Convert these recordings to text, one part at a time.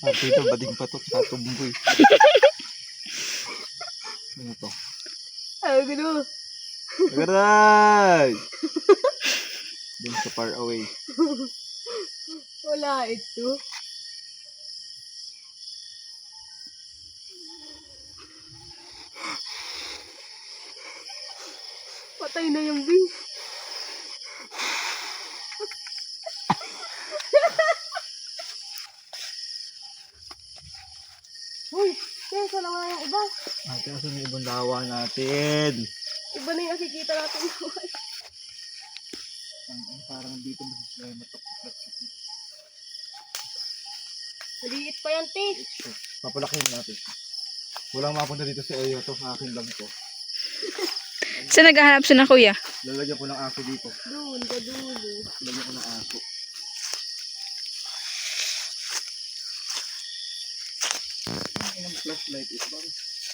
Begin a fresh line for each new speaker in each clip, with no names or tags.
Dito, bading pa to. Tsaka tumboy. Ano to?
Ay, gano.
Agaray! Dun sa far away.
Wala ito. Patay na yung bee. Uy, kaya lang nga yung iba.
Ate, asan yung ibang lawa natin?
Iba na yung nakikita natin.
Parang dito may matok-matok.
Maliit pa yan, te.
Papalakin mo natin. Walang mapunta dito sa area to. Akin lang to.
Saan naghahanap siya na kuya?
Lalagyan ko ng aso dito.
Doon, ka dulo.
Lalagyan ko ng aso. Ang flashlight is bang?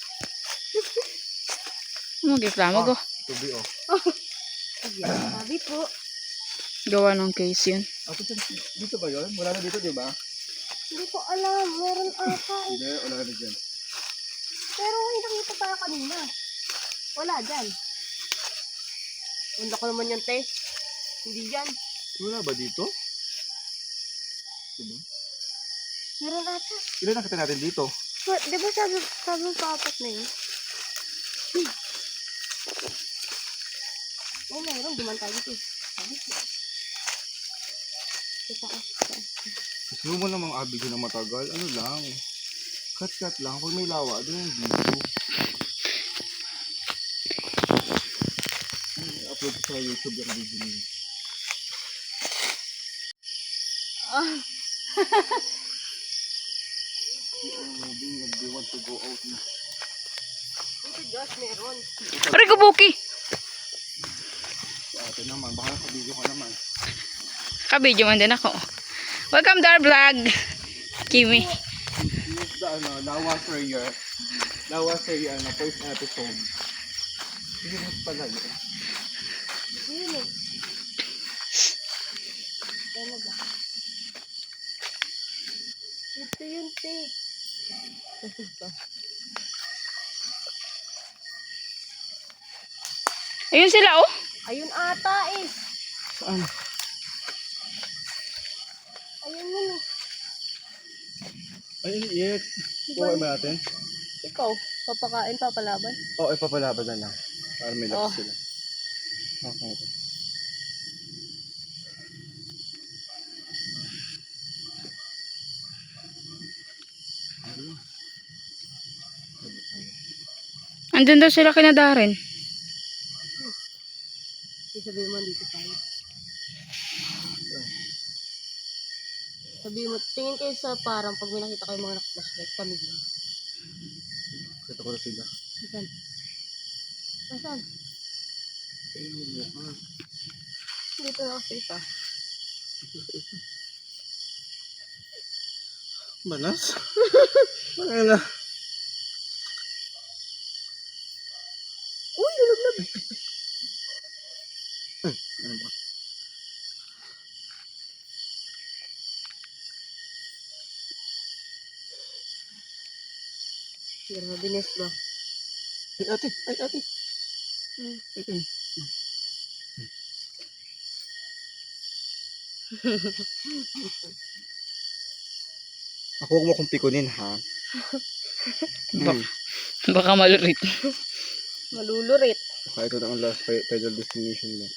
Mag-reklamo ko.
Tubi oh.
Sabi po.
Gawa ng case yun.
Ato dito ba yun? Wala na dito, di ba?
Hindi ko alam. Meron ata eh.
Hindi, wala na dyan.
Pero may nakita tayo kanina. Wala dyan. Wala ko naman yan, te. Hindi dyan.
Wala ba dito? Diba?
Meron ata.
Ilan nakita natin dito?
Di ba sabi pa apat na yun? Oh, meron. Duman tayo dito. Sabi ko. Ito ka.
Gusto mo namang abigin na matagal? Ano lang? Cut lang. Pag may lawa, doon yung video. I-upload ko sa YouTube yung video niyo. They want to go out na.
Ito, Josh, meron.
Aray ko, Buki!
Sa atin naman, baka nakabidyo ka naman.
Kabidyo man din ako. Welcome to our vlog, Kimi.
Here's the Lawa Prayer. Lawa Prayer, first episode. Hindi mo pala yun.
Yun eh. Ano ba? Ito yung tape.
Ayun sila, oh.
Ayun ata eh.
Saan?
Ayun yun eh.
Ay, iit. Kuha ba natin?
Ikaw, papakain, papalaban.
Oo, ipapalaban na lang. Para may lakas
Oh.
sila. Okay.
Andun daw sila kina Darren.
Sabihin mo, dito tayo. Sabihin mo, tingin kayo sa parang pag may nakita kayo mga naka-flashlight, kami din.
Kita ko na sila.
Saan? Saan?
Ayun, mukha.
Dito na kasi ito.
Manas? Ano na?
Uy, hulog na.
Ano ba?
Grabe, Nes ba?
Ay, ate! Ay, ate! Ito. Ako huwag mo kong pikunin, ha?
Baka malurit.
Malulurit.
Baka ito na ang last final destination mo.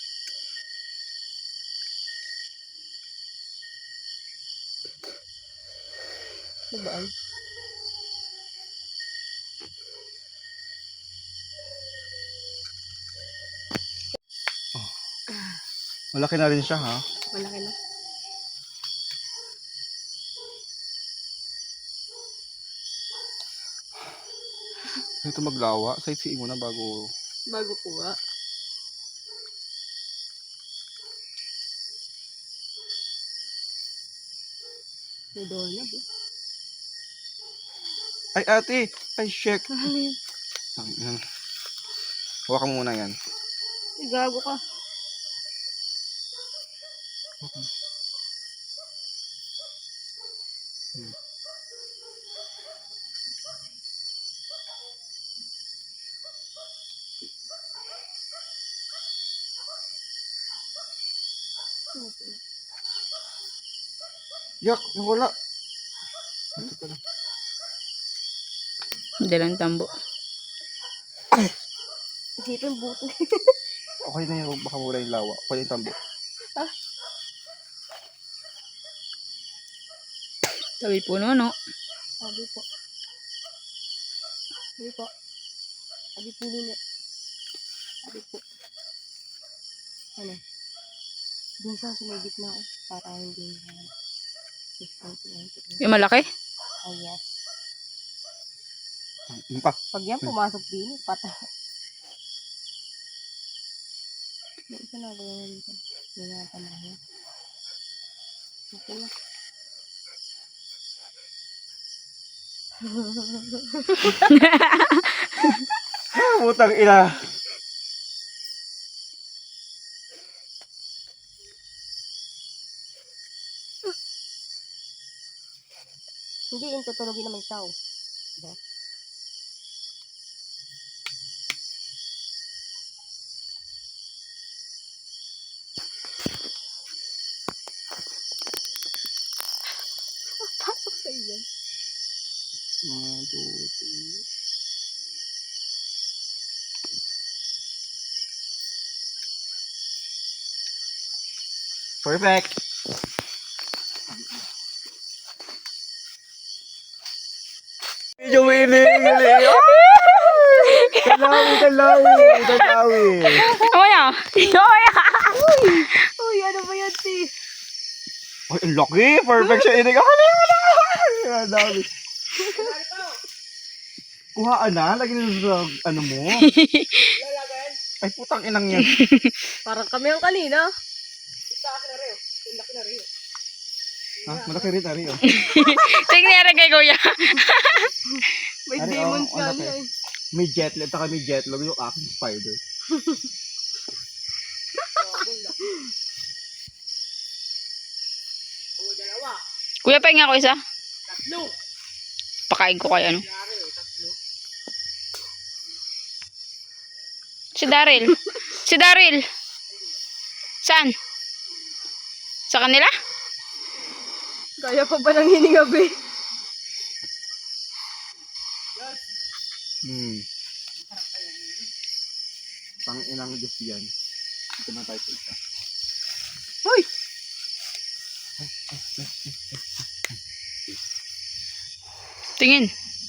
Diba?
Malaki na rin siya, ha?
Malaki na.
Ito maglawa. Sightseeing mo na bago...
Bago kuha. May doorknob eh.
Ay, ate! Ay, shek!
Ano yun?
Hawakan mo muna yan.
Ay, gago ka.
Yak, wala.
Dalang tambo.
Isipin buto.
Okay na yun, baka mura yung lawa. Okay yung tambo.
Tabi puno, no?
Sabi po. Sabi po. Sabi po nila. Sabi po. Ano? Doon sa may gitna ko. Para hindi na.
Yung malaki?
Oh yes.
Yung pa.
Pag yan pumasok din, patay. May isa na gawin dito. Hindi na tamahin. Okay na.
Putang ina.
Hindi, yung tutulogin naman siya. Oh. Diba? Pasok sa iyo.
1, 2, 3. Perfect. Medyo winning. Kalawi.
Ano yan?
Uy, ano ba yan, ti?
Ay, ang laki. Perfect siya. Inig ako na. Ang dami. Kuhaan na. Lagi na sa ano mo. Ay, putang inang yan.
Parang kami ang kanina.
Ha? Malaki rin, Ari. Oh.
Tingnan rin kay kuya.
May
Ari,
demons
oh,
ka
laki.
niya.
May jetlag. Taka may jetlag yung aking spider.
Kuya, pahinga ko isa. Pakain ko kay ano. Si Daryl. Si Daryl. Saan? Sa kanila?
Kaya pa ba nang hininga, be?
Pang inang Diyos yan. Ito na tayo sa isa.
Hoy!
Tingin.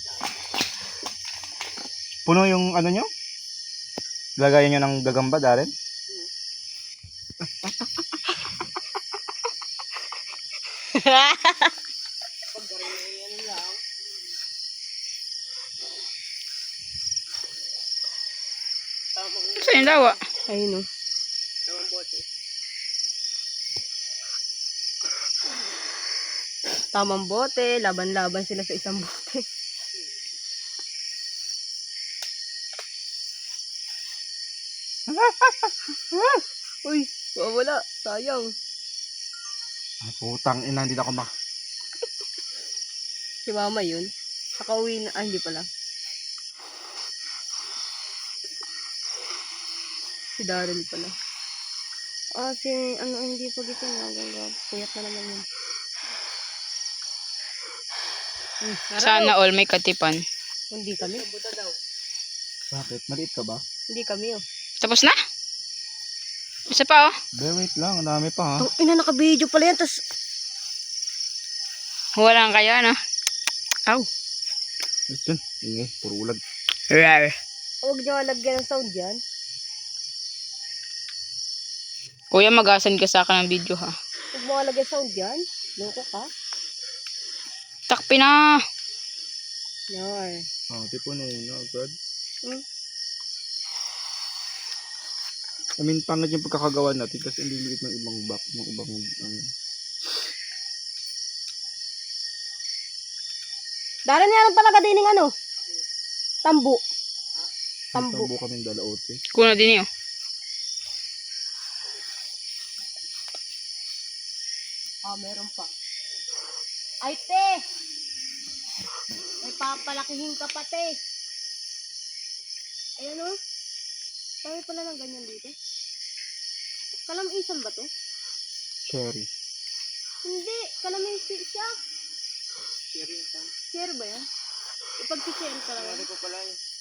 Puno yung ano nyo? Lagayan nyo ng gagamba, Darren?
Saan yung dawa?
Ayun, oh. Tamang bote. Laban-laban sila sa isang bote. Uy, wala. Sayang.
Ah, putang ina, hindi na ako
Si mama yun. Nakauwi na. Ah, hindi pala. Si Daryl pala. Ah, si ano, hindi pa gising. Puyat na naman yun.
Sana all may katipan.
Hindi kami.
Bakit? Maliit ka ba?
Hindi kami, oh.
Tapos na? Isa pa oh.
Wait lang, ang dami pa ha.
Tang ina, naka-video pala yan. Tas,
Walang kayo ano. Aw.
Listen, ingay, puro ulag.
Rar.
huwag niyo lagyan ng sound yan.
Kuya, magasan ka sa akin ng video ha.
Huwag mo lagyan sound yan. Loko ka.
Takpi na.
Yar.
Ah, tipo no, agad.
Hmm?
I mean, pangad yung pagkakagawa natin kasi hindi liit ng ibang back, ng ibang ano.
Daran yan talaga din ng ano? Tambo. Tambo.
Tambo kaming dalaote.
Kuna din yun.
Ah, meron pa. Ay, te! May papalakihin ka pa, te. Ayan, o. Dami pala ng ganyan dito. Kalamisan ba to?
Cherry.
Hindi, kalamansi siya.
Sharing time.
Share ba yan? Ipag-share ka lang.
Ano ko pala yun?